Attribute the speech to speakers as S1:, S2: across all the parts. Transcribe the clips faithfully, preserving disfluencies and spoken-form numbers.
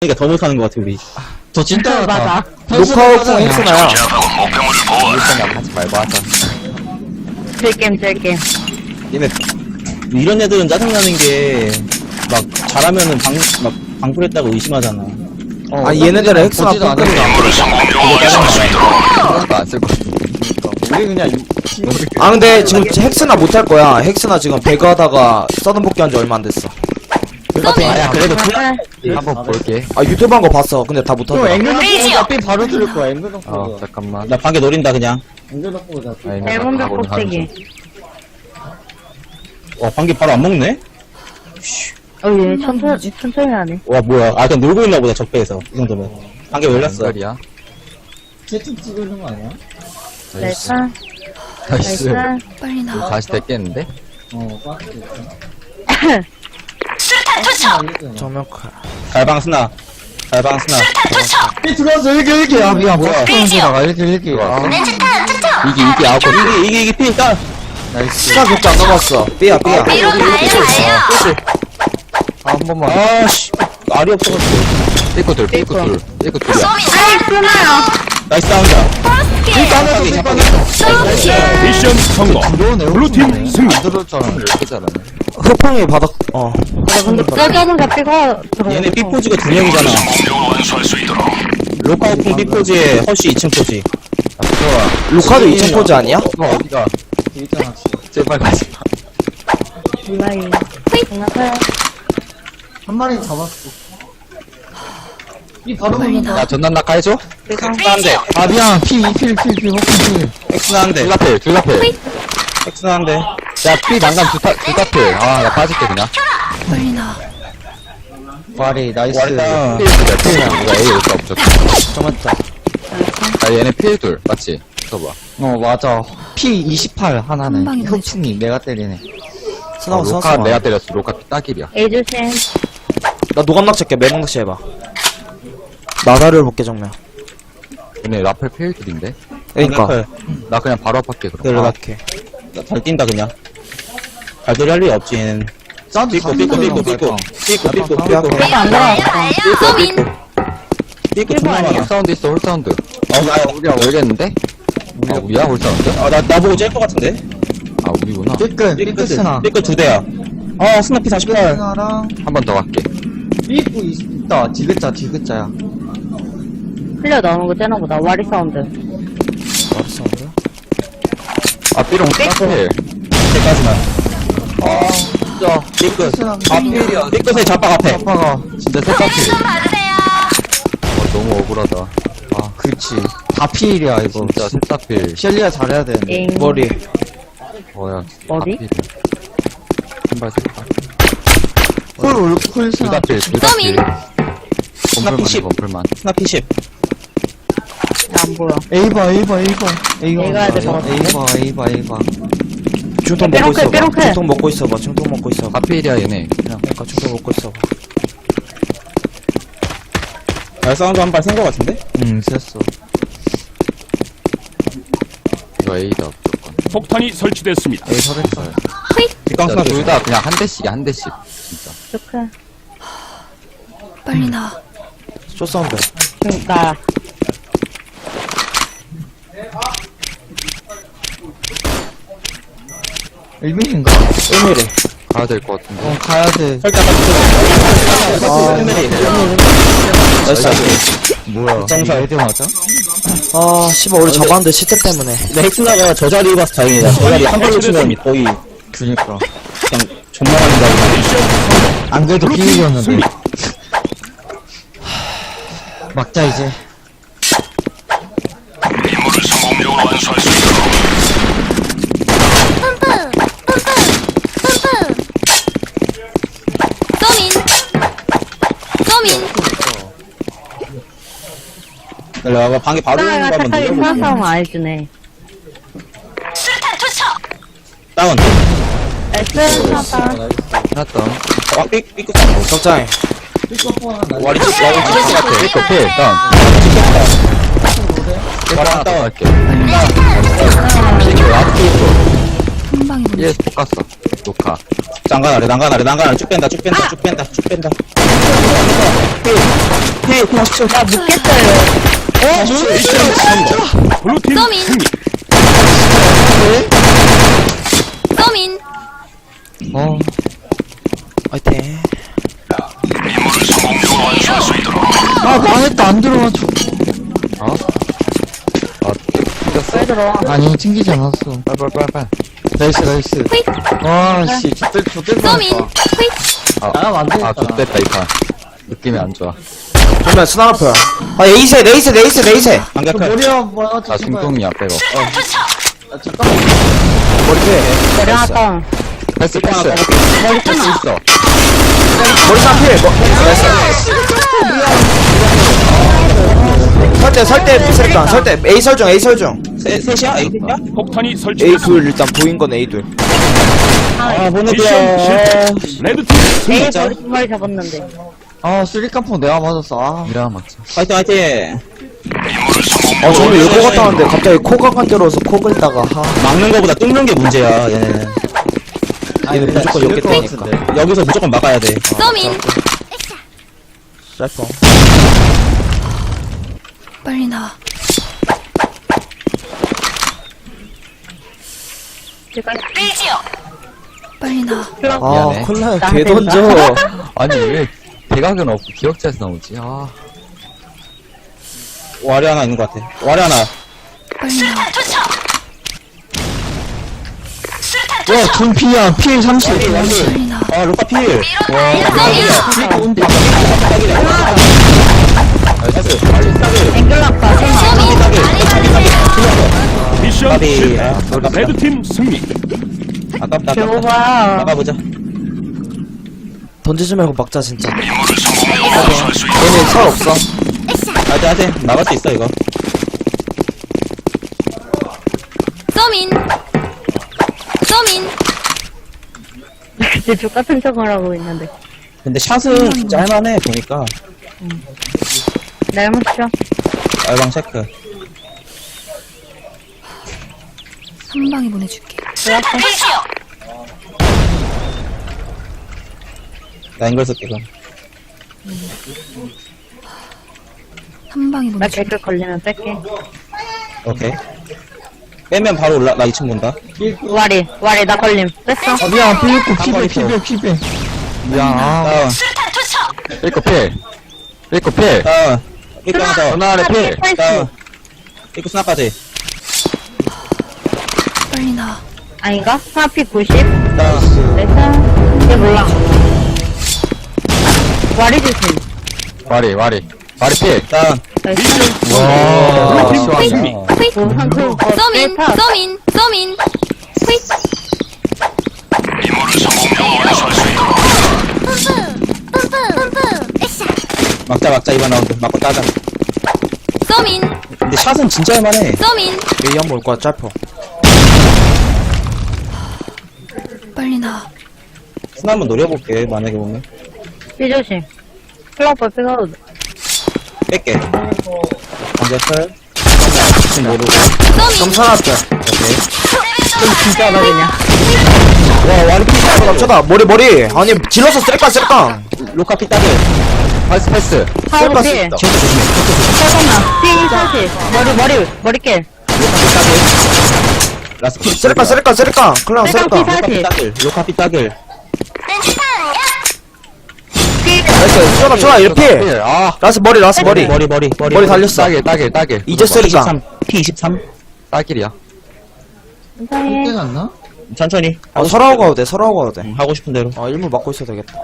S1: 그러니까 더 못하는 것 같아 우리.
S2: 저 진짜
S3: 맞아.
S4: 녹화하고 엑스나야.
S2: 일단 하지 말고 하자.
S3: 즐겜, 즐겜.
S1: 얘네 이런 애들은 짜증나는 게 막 잘하면은 방 막 방풀했다고 의심하잖아.
S2: 어,
S4: 아, 얘네들 엑스나
S2: 보지도 않은
S4: 똥꼬리야.
S2: 거 안쓸 거. 우리 그냥
S4: 아, 근데 지금 헥스나 못할 거야. 헥스나 지금 배그 하다가 서든 복귀한 지 얼마 안 됐어.
S1: 아야 그래도
S2: 한번 볼게.
S4: 아, 유튜브 한 거 봤어. 근데 다 못하더라.
S5: 앵글 삐 바로 들을 거야. 앵글
S2: 어
S5: 덕보다.
S2: 잠깐만.
S1: 나 방에 노린다 그냥.
S5: 앵글 덕보다.
S2: 아, 얘네
S3: 앨범
S2: 가고 있는
S3: 벽꼭대기.
S1: 와 방귀 바로 안 먹네?
S3: 어, 얘 천천히, 천천히 하네.
S1: 와 뭐야? 아 그냥 놀고 있나 보다 적배에서 이 정도면. 방귀 열렸어.
S2: 앵글이야.
S5: 채팅 찍고 있는 거 아니야?
S2: 나이스.
S3: 날짜,
S2: 나이스.
S3: 날짜.
S6: 빨리 나와.
S2: 다시 됐겠는데?
S5: 어, 빠졌어.
S4: 정면칼.
S1: 갈방 스나. 갈방 스나.
S5: 삐 들어왔어. 일기, 일기. 아, 미안.
S1: 뭐야?
S5: 들어가. 일기, 일기.
S2: 들어왔어.
S5: 아,
S2: 이게 이게 아웃.
S1: 이게 이게 이게 피 딸.
S2: 나이스.
S4: 스나 격자 안 넘었어. 삐야, 삐야.
S2: 아, 한 번만.
S1: 아씨 알이 없어가지고.
S2: 삐꾸 둘, 삐꾸 둘, 삐꾸 둘이야.
S3: 아이, 끊어요.
S1: 나이스 다운다.
S7: 미션 성공. 블루팀 승리.
S2: 안 들어올 줄 알았는데 이렇게 잘하네.
S4: 흑풍이 바닥, 어.
S3: 짜자는 잡히고 들어오고.
S1: 얘네 삐포지가 두 명이잖아. 로카오풍 삐포지에 허쉬 이 층 포지.
S4: 루카도 이 층 포즈 아니야?
S2: 어, 어디가?
S5: 있잖아.
S2: 제발 가지 마.
S3: 몰라요. 장난해요.
S5: 한 마리 잡았어. 삐 바로 먹는다.
S2: 야, 전난 낙하 해줘?
S1: 엑스나 한 대.
S5: 아, 미안. 피, 필, 필, 필, 호킹 필.
S1: 엑스나 한 대.
S2: 둘라필, 둘라필.
S1: 엑스나 한 대.
S2: 야, 삐 난간 두 타, 두 타필. 아, 나 빠질게, 그냥.
S6: 빨리 나와.
S5: 와리, 나이스.
S1: 와리다.
S2: 필, 둘, 필. 우리가 A 올수 없죠.
S4: 정했다.
S2: 아, 얘네 필 둘. 맞지? 써봐.
S5: 어, 맞아. 피 이십팔
S6: 한
S5: 하나네.
S6: 방에
S5: 흑풍이 내가 때리네.
S4: 스나
S2: 어,
S4: 스나
S2: 로카
S4: 스나.
S2: 내가 때렸어. 로카 딱일이야.
S3: A 조심.
S4: 나 노감낚시 할게. 매봉낚시 해봐. 나다를 볼게, 정면.
S2: 얘네 라펠 필 둘인데?
S4: 그니까.
S2: 나 그냥 바로 앞할게, 그럼.
S1: 들어갈게. 잘 뛴다 그냥. 발소리 할 리 없지 얘는.
S5: 사운드
S1: 삐꾸 삐꾸 삐꾸 삐꾸 삐꾸 삐꾸
S4: 삐꾸.
S1: 삐꾸
S3: 안 들어왔어.
S1: 삐꾸 존나 많아.
S2: 홀사운드 있어, 홀사운드.
S1: 어, 나,
S2: 우리야, 모르겠는데? 아, 우리야, 홀사운드?
S1: 아, 나, 나보고 짤 것 같은데?
S2: 아, 우리구나.
S5: 삐끗, 삐끗 스나.
S1: 삐끗 두 대야. 어, 스나피 사십팔.
S5: 스나랑
S2: 한 번 더 갈게.
S5: 삐꾸 있다. 디귿자, 디귿자야.
S3: 흘려 나오는 거 째나 보다. 와리 사운드.
S4: 알았어.
S2: 아, 삐롱 딱필.
S1: 대까지만.
S2: 아, 진짜.
S1: 삐끗.
S5: 스나.
S1: 아, 필이야. 삐끗의 잡박 앞에.
S5: 아빠가.
S2: 진짜 세타필. 어, 너무 억울하다.
S5: 아, 그렇지. 다 피일이야, 이거.
S2: 진짜 세타필.
S5: 셸리아 잘해야 되는데.
S3: 엥.
S4: 머리.
S2: 뭐야.
S3: 어디?
S2: 한발 세타.
S5: 쿨, 올, 쿨 스나.
S2: 둘다필, 둘다필. 범플만,
S1: 십.
S2: 범플만.
S1: 스나피 십.
S3: 안 보여.
S5: A봐, A봐, A봐. A봐.
S3: A 가야 될것 같아.
S5: A봐, A봐, A봐.
S4: 중통
S3: 삐롱클,
S4: 먹고 있어봐.
S3: 삐롱클.
S4: 중통 먹고 있어봐. 중통 먹고 있어봐.
S2: 다필이야, 얘네. 그냥.
S4: 그니까 중통 먹고 있어봐.
S1: 야, 사운드 한 발 센 것 같은데?
S5: 응, 셌어.
S2: 이거 A다, 무조건.
S7: 폭탄이 설치됐습니다.
S5: A 설했어요.
S1: 뒷강 스나 조심.
S2: 둘다 그냥 한 대씩이야, 한 대씩. 진짜.
S3: 좋게.
S6: 빨리 나와.
S4: 쇼사운드.
S3: 그니까.
S5: 일 밀인가?
S4: 일 밀리.
S2: 가야 될 것 같은데.
S5: 어, 가야 돼.
S1: 살짝
S4: 아, 나이스.
S5: 뭐야?
S1: 정살.
S5: 헤드 맞아?
S4: 아, 씨발, 우리 잡았는데 시트 때문에.
S1: 근데 헥스나가 저 자리 봐서 다행이다. 저 자리 한 발로 치면 거의
S5: 그니까.
S1: 그냥 존나 많이
S5: 안 그래도 비밀이었는데. 막자, 이제.
S1: 나가. 방에 바로 있는
S3: 스나가
S1: 거 한번
S3: 착하게 스나
S1: 눌러볼게.
S3: 싸움 안 해주네.
S1: 다운.
S3: S 스나다.
S2: 해놨다.
S1: 아, 삐, 삐끗.
S4: 적장해.
S1: 와리 집, 와리 집 같아.
S2: 삐꺼 필, 다운.
S1: 와리 하나 다운.
S2: 할게. 삐꺼, 라스트 삐꺼.
S6: 한 방에
S2: 얘 볶았어. 녹화.
S1: 난간 아래, 난간 아래, 난간 아래. 쭉 뺀다, 쭉 뺀다, 쭉 뺀다, 쭉 뺀다. 헤이, 헤이, 그냥 십칠.
S3: 나 묻겠어요.
S7: 미션 성공. 블루팀
S6: 서민.
S7: 승리.
S6: 서민.
S5: 어.
S4: 화이팅.
S5: 아, 망했다. 안 들어가죠.
S2: 어? 아, 튕겼어?
S3: 왜 들어와?
S5: 아니, 튕기지 않았어.
S2: 빨빨빨빨.
S5: 나이스, 나이스.
S6: 휙.
S5: 아, 씨. 좆될, 좆될
S6: 서민.
S5: 뻔했다.
S6: 휙.
S2: 아,
S5: 나가면 안 되겠다.
S2: 아, 좋됐다, 이 판. 느낌이 안 좋아.
S4: 정말 스나이퍼야. 아, 에이셋, 에이셋, 에이셋, 에이셋.
S5: 저
S1: 반격할.
S5: 머리야, 뭐야,
S2: 나
S5: 저 신발.
S2: 중동이야, 빼고.
S5: 아, 잠깐만.
S4: 머리 피.
S3: 머리 하나 다운.
S2: 패스, 패스.
S3: 머리
S2: 패스
S3: 끊어.
S2: 있어.
S4: 머리 상 필. 뭐, 됐어. 설대, 설대, 설대, 설대. A 설중, A 설중.
S1: 세, 셋이야? 에이, 셋이야?
S7: 폭탄이
S4: A
S7: 설치됐습니다.
S4: 둘, 일단 보인 건 A 둘.
S1: 아,
S7: 미션
S1: 보내드려.
S7: 실패. 레드팀 승리.
S3: 에이, 머리 두 마리 잡았는데.
S5: 아, 쓰리깡포 내가 맞았어. 아.
S2: 이라 맞지.
S1: 화이팅, 화이팅.
S4: 어, 저는 요거 갔다 왔는데 갑자기 코가간 때려서 코 긁다가, 하.
S1: 막는 거보다 뚫는 게 문제야, 얘는.
S4: 얘는 무조건 여기 되니까.
S1: 여기서 무조건 막아야 돼.
S6: 서민.
S4: 짤퍼.
S6: 빨리 나와. 빨리 나와.
S4: 아,
S2: 미안해.
S4: 콜라
S3: 나한테
S4: 개 던져.
S2: 아니, 왜 대각은 없고 기억자에서 나오지? 아,
S1: 와리 하나 있는 것 같아. 와리 하나.
S6: 빨리 나와.
S5: 와, 준피야. 피해 삼십.
S6: 빨리 나와.
S1: 아, 로카 필.
S6: 서민.
S3: 앵글락과
S7: 미션
S1: 까비.
S7: 실패.
S1: 아, 아깝다.
S7: 레드팀 승리.
S1: 아깝다, 아깝다.
S3: 배고파.
S1: 막아보자.
S4: 던지지 말고 막자, 진짜. 얘네 설 없어.
S1: 하여튼, 하여튼. 막을 수 있어, 이거.
S6: 서민. 서민.
S3: 이제 족같은 척을 하고 있는데.
S1: 근데 샷은 진짜 할만해, 보니까.
S3: 날무쇼.
S1: 알방 체크.
S6: 한 방에 보내줄게.
S1: 나 앵글 쓸게, 그럼.
S6: 한 방에
S3: 나
S6: 보내줄게.
S3: 개그 걸리면 뺄게.
S1: 오케이. 빼면 바로 올라, 나 이 층 본다.
S3: 와리, 와리, 나 걸림. 뺐어?
S5: 아, 미안. 피했고, 피배,
S1: 깜빡이
S5: 피배, 피배. 미안. 아.
S1: 다운,
S2: 삐꺼 필. 삐꺼 필.
S1: 다운. 삐끗 하나 더.
S2: 전화 아래 필.
S1: 다운. 삐끗 스나까지.
S6: 빨리 나와.
S3: 아닌가? 하나피 구십.
S1: 다운.
S3: 됐어. 얘 몰라. 와리 조심.
S2: 와리, 와리. 와리 필.
S1: 다운.
S3: 나이스.
S2: 와,
S7: 블루팀 승리.
S6: 휙.
S3: 한 그, 어,
S6: 서민.
S3: 셀파.
S6: 서민. 서민. 휙.
S1: 막자, 막자, 이번 라운드. 막고 따자.
S6: 서민.
S1: 근데 샷은 진짜 할만해.
S6: 서민.
S4: A 한번 올 거야, 짤퍼.
S6: 빨리 나와.
S1: 스나 한번 노려볼게, 만약에 보면.
S3: 삐 조심. 클럽버 삐가도 돼.
S1: 뺄게. 반격할. 지금 모르고.
S4: 그럼
S6: 서민.
S4: 사놨대.
S3: 진짜 나 그냥.
S4: 와, 와리 피 짤퍼 남쳐다. 머리, 머리. 아니, 질러서 쓰레까, 쓰레까.
S1: 로카 피 따글.
S2: 패스, 패스.
S3: 하우스
S4: 셀파
S3: 피.
S4: 쓰다.
S1: 진짜 조심해.
S3: 잠깐만. 피 사십. 머리, 머리, 머리깨.
S1: 로카 피 따글. 라스 피.
S4: 쓰레까, 쓰레까, 쓰레까. 클랑
S3: 쓰레까,
S4: 쓰레까.
S1: 로카 피
S3: 사십.
S1: 따글. 로카 피 따글.
S4: 나이스, 쏘나, 쏘나, 이렇게.
S2: 필. 아,
S4: 라스 머리, 라스 머리.
S1: 머리, 머리, 머리.
S4: 머리 달렸어.
S2: 따길, 따길, 따길.
S4: 이제 쓰레까.
S1: 이십삼. 피 이십삼.
S2: 따길이야.
S3: 괜찮해.
S5: 땡 안 나?
S1: 천천히.
S4: 어, 설하고 가도 돼, 설하고 가도 돼.
S1: 응, 하고 싶은 대로.
S4: 어, 일물 막고 있어도 되겠다.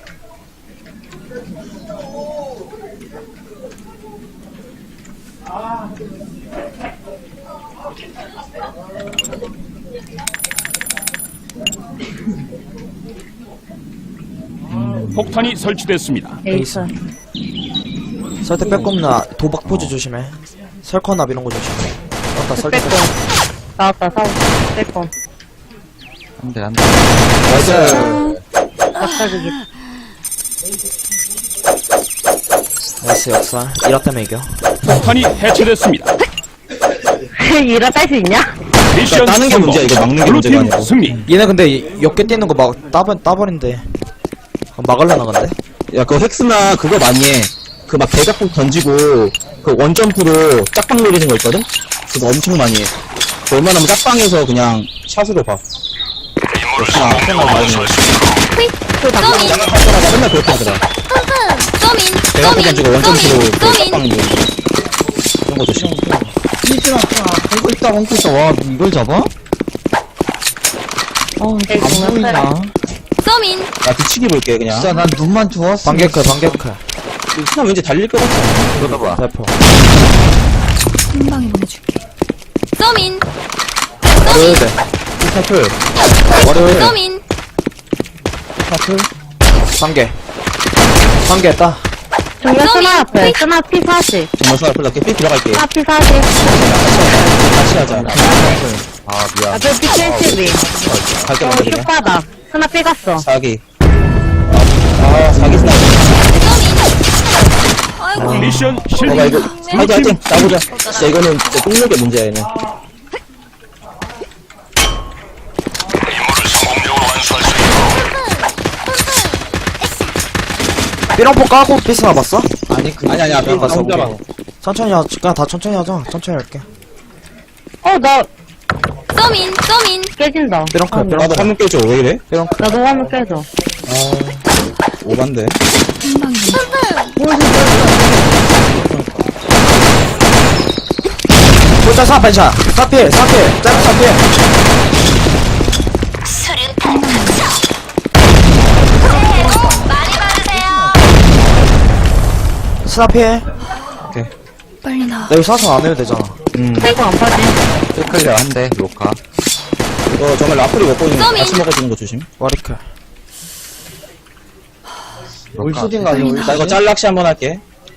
S7: 폭탄이 설치됐습니다.
S3: 에이스.
S4: 설대 빼꼼나 도박 포즈 조심해. 설커납 이런 거 조심해. 맞다, 설대
S3: 빼꼼.
S4: 빼꼼.
S3: 나왔다, 사우스. 빼꼼.
S2: 안 돼, 안 돼.
S4: 나이스.
S3: 막사주기.
S4: 나이스, 역살. 이렇다면 이겨.
S7: 폭탄이 해체됐습니다.
S3: 이라 딸 수 있냐?
S7: 미션
S1: 따는 게
S7: 성공.
S1: 문제야, 이거 막는 게 문제가
S7: 블루팀
S1: 아니고.
S7: 승리.
S4: 얘네 근데 역계 뛰는 거 막 따버 따버린데. 그럼 막을라나 근데?
S1: 야, 그거 헥스나 그거 많이 해. 그 막 대각폭 던지고, 그 원점프로 짝방 노리는 거 있거든? 그거 엄청 많이 해. 그 웬만하면 짝방에서 그냥 샷으로 봐. 역시나, 생각 많이 해.
S6: 서민
S1: 나 맨날 그렇게 하더라.
S6: 서민
S1: 대각폭 던지고 원점프로 그 짝방
S6: 서민
S1: 노리는 거. 그런 거 조심.
S5: 삐지나, 벙커 있다, 벙커 있다. 와, 이걸 잡아? 어, 안 보이냐.
S6: 서민
S1: 나 뒤치기 볼게, 그냥.
S5: 진짜 난 눈만 좋았어.
S4: 반개클 반개클.
S1: 그냥 왠지 달릴 것 같아.
S2: 쏟아봐.
S4: 대포.
S6: 한 방에 보내줄게 서민
S4: 월요일에.
S1: 스타플.
S4: 월요일에.
S6: 서민
S4: 반개. 반개 했다.
S3: 정면
S6: 서민,
S3: 스나 앞에.
S6: 휘.
S3: 스나 피 사십.
S1: 정말 스타플 나게 삐 들어갈게.
S3: 스나 피 사십.
S1: 같이 하자.
S2: 아, 미안.
S3: 앞에 피 칠십이.
S1: 갈게,
S3: 어,
S1: 먼저 그냥.
S3: 슛바닥. 스나 피 갔어.
S1: 사기. 아, 아 사기 스나이퍼.
S6: 아이고
S7: 미션
S1: 봐봐,
S7: 실패.
S1: 이거. 화이팅, 화이팅. 나보자. 진짜 이거는 진짜 똥력의 문제야, 얘는.
S4: 삐롱포 까고 삐스 나봤어?
S5: 아니, 그,
S1: 아니, 아니, 앞에
S4: 갔어,
S1: 혼자 봐.
S4: 천천히 하자. 그냥 다 천천히 하자. 천천히 할게.
S3: 어, 나
S6: 서민 서민
S3: 깨진다.
S4: 삐롱클
S3: 아니,
S1: 나도
S4: 삐롱클.
S1: 화면 깨져, 왜 이래?
S4: 삐롱클.
S3: 나도 화면 깨져.
S1: 오반데.
S6: 한 방에
S4: 골자 사 반샷. 사필 사필. 짧은 사필.
S6: 많이 받으세요
S4: 스나필.
S6: 빨리 나와
S4: 나 이거 사선 안 해도 되잖아.
S1: 음.
S3: 이거 안 빠지.
S2: 클리어 한대, 로카.
S1: 이거 정말 라플이 먹고 있는 거
S6: 썸이.
S1: 같이 먹어주는 거 조심.
S4: 와리클.
S5: 울수딘가, 아니, 울수딘.
S1: 나 이거 짤락시 한번 할게.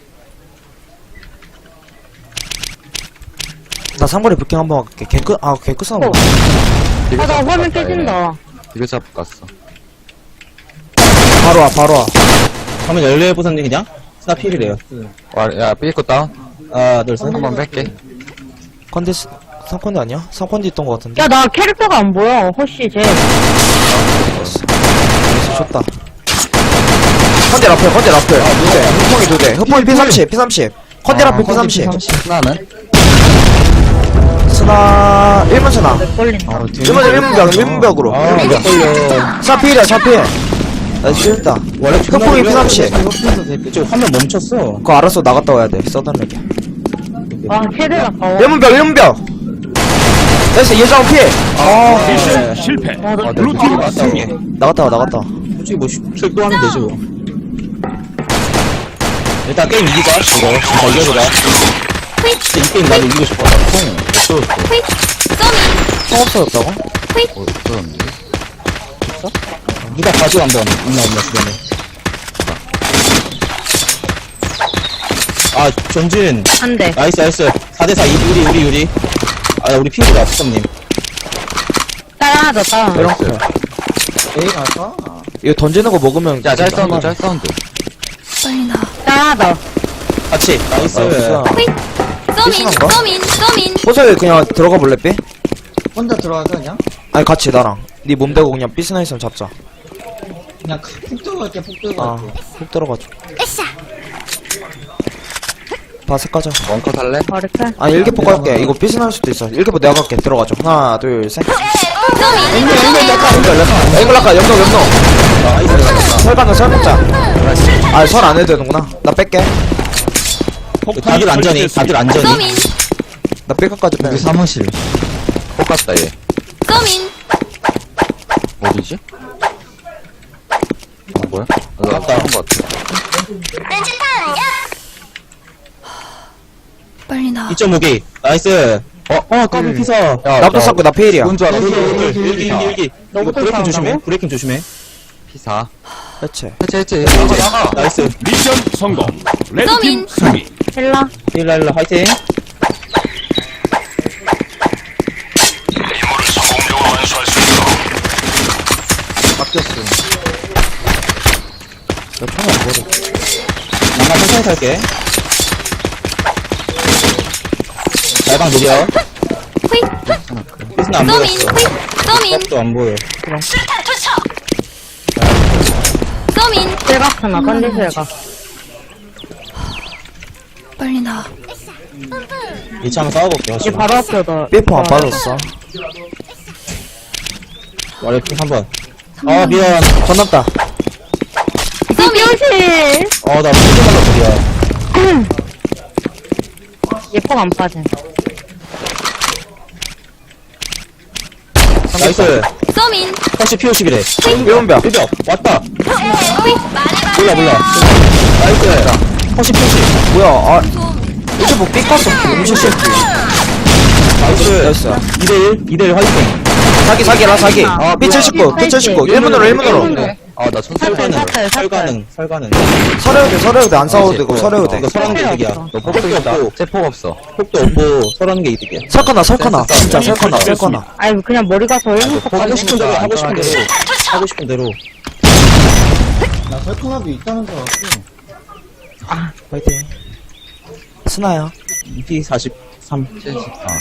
S4: 나 상거리 부킹 한번 할게. 개끝 아 개끝 싸움.
S3: 어. 아, 나 화면 깨진다.
S2: 이거 잡고 갔어.
S4: 바로 와 바로 와.
S1: 화면 열려 보선님 그냥? 스나 필이래요.
S2: 와, 야, 삐고 다운.
S1: 하나, 둘, 셋.
S2: 한번 뺄게.
S4: 컨디스 삼컨디 아니야? 삼컨디 있던 거 같은데.
S3: 야, 나 캐릭터가 안 보여. 호시, 쟤.
S4: 좋다. 컨디 라플 컨디 라플. 아 두대. 흑봉이 두 대. 흑봉이 피 삼십 피 삼십. 컨디 라플 피 삼십.
S2: 하나는?
S4: 스나 일문 스나.
S3: 걸린다.
S4: 일문 일문벽 일문벽으로.
S1: 아, 몇 걸려.
S4: 사필이야 사필. 나 싫다.
S1: 원래
S4: 흑봉이 피 삼십.
S1: 이쪽 화면 멈췄어.
S4: 그거 알아서 나갔다 와야 돼. 써달라게.
S3: 아, 캐릭 아까워.
S4: 일문벽 일문벽. 됐어 예정 피. 아
S7: 미션 실패.
S3: 아, 나
S7: 블루팀
S1: 아,
S7: 승리.
S4: 나갔다 와 나갔다 와.
S1: 솔직히 뭐, 출동하면 되지 뭐. 일단 게임 이기자, 이거. 진짜 이겨보자. 진짜 이 게임 나도 이기고 싶어. 총, 없어.
S6: 서민
S4: 총 없어졌다고?
S2: 어, 없었는데.
S1: 누가 가져 한번. 있나, 없나, 주변에. 아, 전진.
S3: 한 대.
S1: 나이스, 나이스. 사 대 사, 우리, 우리, 우리. 아, 우리 피해가 수성님.
S3: 딸 하나 더, 딸 하나 더.
S4: 이렇게.
S5: 에이, 갈까?
S4: 이거 던지는 거 먹으면
S2: 야, 짤 사운드, 짤 사운드.
S6: 빨리 나와
S3: 딸 하나 더.
S1: 같이. 나이스.
S4: 나이스.
S6: 서민
S4: 삐신한가?
S6: 서민 서민
S4: 호석이 그냥 들어가 볼래 삐?
S5: 혼자 들어가서 그냥?
S4: 아니 같이 나랑 네 몸 대고 그냥 삐스나 있으면 잡자.
S5: 그냥 푹 들어갈게, 푹
S4: 아
S5: 들어갈게.
S4: 훅 들어가줘. 바스 까자.
S2: 원커 살래?
S3: 버리클.
S4: 아니 일개포 갈게. 이거 삐스나 할 수도 있어. 일개포 내가 갈게. 들어가줘. 하나 둘 셋.
S6: 서민
S4: 야, 이걸 아까 영동 영동. 설가는 설 먹자. 아설 안 해도 되는구나. 나 뺄게.
S1: 다들 안전히, 다들 안전히.
S6: 서민
S4: 나 뺄까까지 빼.
S5: 우리 사무실.
S2: 폭 갔다, 얘.
S6: 서민
S2: 어디지? 아, 뭐야? 아, 나
S1: 갔다.
S2: 한거 같아.
S6: 빨리 나와
S1: 이 점 오 기. 나이스. 어, 어, 까비 피서.
S2: 야,
S4: 나도 쌌고 나 페일이야.
S2: 뭔줄 알아?
S1: 일기, 일기, 일기, 일기. 이거
S3: 너부터
S1: 브레이킹
S3: 싸운다고?
S1: 조심해. 브레이킹 조심해.
S2: 피사.
S4: 해체.
S2: 해체, 해체. 나가, 나가.
S1: 나이스.
S7: 미션 성공. 레드팀
S6: 서민.
S7: 승리.
S3: 힐라.
S1: 일라, 일라, 화이팅.
S4: 나 총이 안 보여.
S1: 나만 천천히 탈게. 날방 느려.
S6: 휙.
S1: 피스는 안
S6: 서민.
S1: 보였어.
S6: 휙. 서민.
S1: 값도 안 보여.
S6: 서민.
S3: 셀각스나 컨디셀각.
S6: 빨리 나와.
S1: 이 차 한번 싸워볼게요.
S3: 이제 바로 앞에 더.
S4: 삐포 안 빠졌어.
S1: 와리핑 한 번. 아, 미안.
S4: 건넜다.
S6: 서민.
S1: 어, 나 피스 맞아, 미안.
S3: 얘폭 안 빠진.
S1: 나이스.
S6: 서민.
S1: 다시 피오십이래.
S4: 일본병.
S1: 일병. 왔다.
S6: 휙. 말해봐.
S1: 몰라, 몰라. 나이스. 다시 피오십.
S4: 뭐야, 아. 이제 뭐 삐꿨어. 음식 셰프.
S1: 나이스.
S4: 나이스.
S1: 이대일. 이대일 화이팅.
S4: 사기, 사기라, 사기.
S3: 아,
S4: 삐 칠십구, 삐 칠십구. 일문으로, 일문으로.
S2: 아, 나 손,
S3: 샀어요,
S1: 설가능.
S3: 샀어요, 샀어요.
S1: 설가능. 설가능.
S4: 서려우대, 서려우대. 안 싸워도 되고, 서려우대.
S1: 이거 서라는 게 이득이야.
S2: 너 폭도 있다. 세폭 없어.
S1: 폭도 없고 서라는 게 이득이야.
S4: 설거나, 설거나. 진짜 설거나, 설거나.
S3: 아니, 그냥 머리 가서 일본 폭
S1: 하고 싶은 대로, 하고 싶은
S2: 안전하게.
S1: 대로. 하고 싶은 대로.
S5: 나 설탕합이 있다는 줄 알았어.
S4: 파이팅. 스나야.
S1: 피 사십삼.
S2: 아,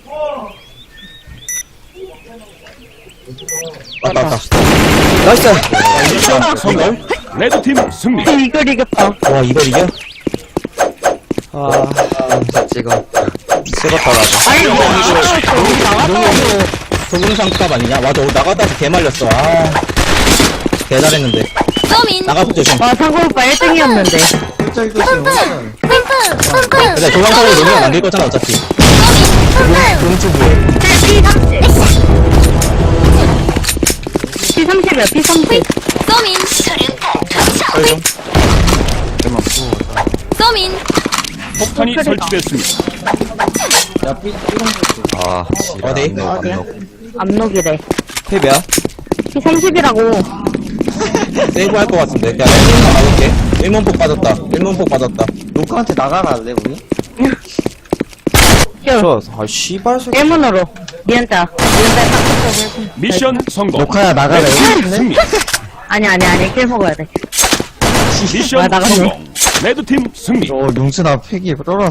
S1: 왔다, 왔다.
S4: 나이스.
S1: 미션 성공.
S7: 레드팀 승리.
S3: 이걸 이겼다.
S1: 와, 이걸 이겨?
S4: 아,
S2: 자, 찍어.
S4: 찍었다, 나도.
S3: 아니, 이거 나갔다.
S1: 조금상값 아니냐? 맞아, 나가다가 개 말렸어. 아. 개 잘했는데.
S6: 서민.
S1: 나가서 조심.
S3: 와, 상고 오빠 일 등이었는데.
S5: 일자 이것이 오늘.
S1: 근데 조광사를 노면 남길 거잖아, 어차피. 공주 뭐해?
S3: 피 삼십이야, 피 삼십.
S6: 서민.
S1: 설정.
S6: 서민.
S7: 폭탄이 설치됐습니다.
S5: 야, 삐, 삐롱
S2: 아, 씨발.
S1: 어디?
S2: 안 넣어, 안
S3: 어디야?
S2: 넣어.
S3: 압록이래.
S4: 탭이야?
S3: 피 삼십이라고.
S1: 세이브 할 것 같은데. 야, 일문폭 맞을게. 일문폭 빠졌다. 일문폭 빠졌다.
S5: 녹화한테 나가갈래, 우리?
S4: 저, 아, 씨발 새끼.
S3: 일문으로. 니은자. 니은자 딱
S7: 미션 성공.
S5: 녹화야, 나가래.
S7: 레드팀 승리.
S3: 아니, 아니, 아니. 킬 먹어야 돼.
S7: 미션
S3: 나가네.
S7: 성공. 레드팀 승리.
S5: 어, 용순아 팩이 떨어.